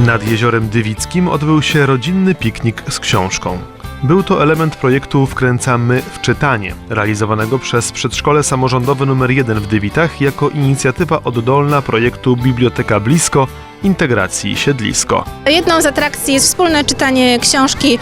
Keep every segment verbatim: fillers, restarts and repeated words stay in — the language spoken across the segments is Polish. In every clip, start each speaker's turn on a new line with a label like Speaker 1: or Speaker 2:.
Speaker 1: Nad Jeziorem Dywickim odbył się rodzinny piknik z książką. Był to element projektu Wkręcamy w czytanie, realizowanego przez Przedszkole Samorządowe numer jeden w Dywitach jako inicjatywa oddolna projektu Biblioteka Blisko – Integracji Siedlisko.
Speaker 2: Jedną z atrakcji jest wspólne czytanie książki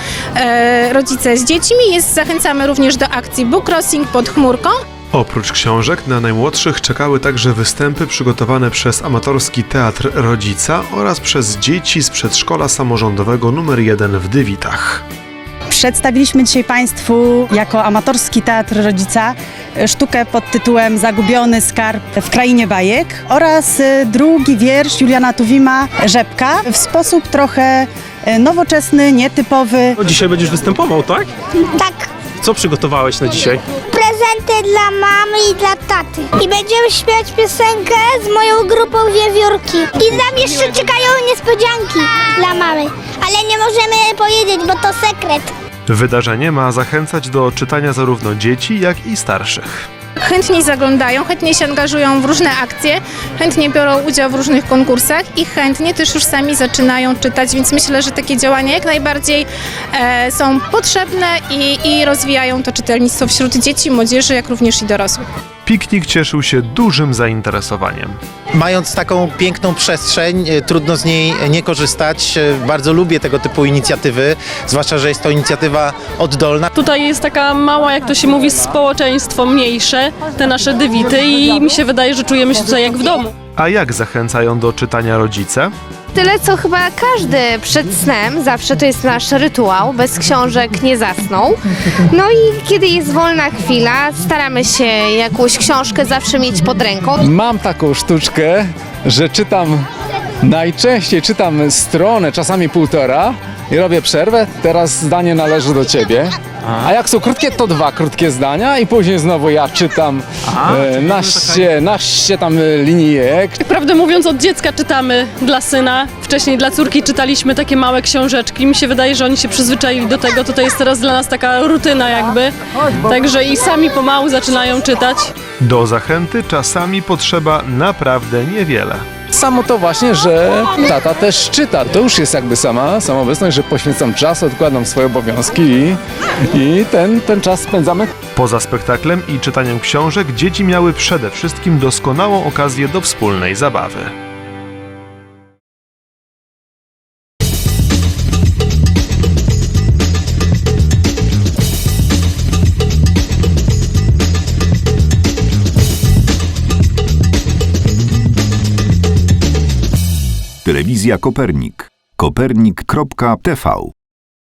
Speaker 2: e, rodzice z dziećmi. Jest, zachęcamy również do akcji Book Crossing pod chmurką.
Speaker 1: Oprócz książek na najmłodszych czekały także występy przygotowane przez amatorski Teatr Rodzica oraz przez dzieci z Przedszkola Samorządowego numer jeden w Dywitach.
Speaker 3: Przedstawiliśmy dzisiaj Państwu jako amatorski Teatr Rodzica sztukę pod tytułem Zagubiony skarb w krainie bajek oraz drugi wiersz Juliana Tuwima Rzepka w sposób trochę nowoczesny, nietypowy.
Speaker 4: Dzisiaj będziesz występował, tak?
Speaker 5: Tak.
Speaker 4: Co przygotowałeś na dzisiaj?
Speaker 5: Prezenty dla mamy i dla taty. I będziemy śpiewać piosenkę z moją grupą Wiewiórki. I nam jeszcze czekają niespodzianki dla mamy. Ale nie możemy powiedzieć, bo to sekret.
Speaker 1: Wydarzenie ma zachęcać do czytania zarówno dzieci, jak i starszych.
Speaker 2: Chętnie zaglądają, chętnie się angażują w różne akcje, chętnie biorą udział w różnych konkursach i chętnie też już sami zaczynają czytać, więc myślę, że takie działania jak najbardziej e, są potrzebne i, i rozwijają to czytelnictwo wśród dzieci, młodzieży, jak również i dorosłych.
Speaker 1: Piknik cieszył się dużym zainteresowaniem.
Speaker 6: Mając taką piękną przestrzeń, trudno z niej nie korzystać. Bardzo lubię tego typu inicjatywy, zwłaszcza, że jest to inicjatywa oddolna.
Speaker 7: Tutaj jest taka mała, jak to się mówi, społeczeństwo mniejsze, te nasze Dywity i mi się wydaje, że czujemy się tutaj jak w domu.
Speaker 1: A jak zachęcają do czytania rodzice?
Speaker 8: Tyle, co chyba każdy przed snem, zawsze to jest nasz rytuał, bez książek nie zasnął. No i kiedy jest wolna chwila, staramy się jakąś książkę zawsze mieć pod ręką.
Speaker 9: Mam taką sztuczkę, że czytam, najczęściej czytam stronę, czasami półtora i robię przerwę, teraz zdanie należy do ciebie. A jak są krótkie, to dwa krótkie zdania i później znowu ja czytam e, naście, naście tam linijek.
Speaker 7: Prawdę mówiąc, od dziecka czytamy dla syna, wcześniej dla córki czytaliśmy takie małe książeczki. Mi się wydaje, że oni się przyzwyczaili do tego, to to jest teraz dla nas taka rutyna jakby. Także i sami pomału zaczynają czytać.
Speaker 1: Do zachęty czasami potrzeba naprawdę niewiele.
Speaker 9: Samo to właśnie, że tata też czyta. To już jest jakby sama samoobecność, że poświęcam czas, odkładam swoje obowiązki i, i ten, ten czas spędzamy.
Speaker 1: Poza spektaklem i czytaniem książek dzieci miały przede wszystkim doskonałą okazję do wspólnej zabawy.
Speaker 10: Telewizja Kopernik. kopernik kropka t v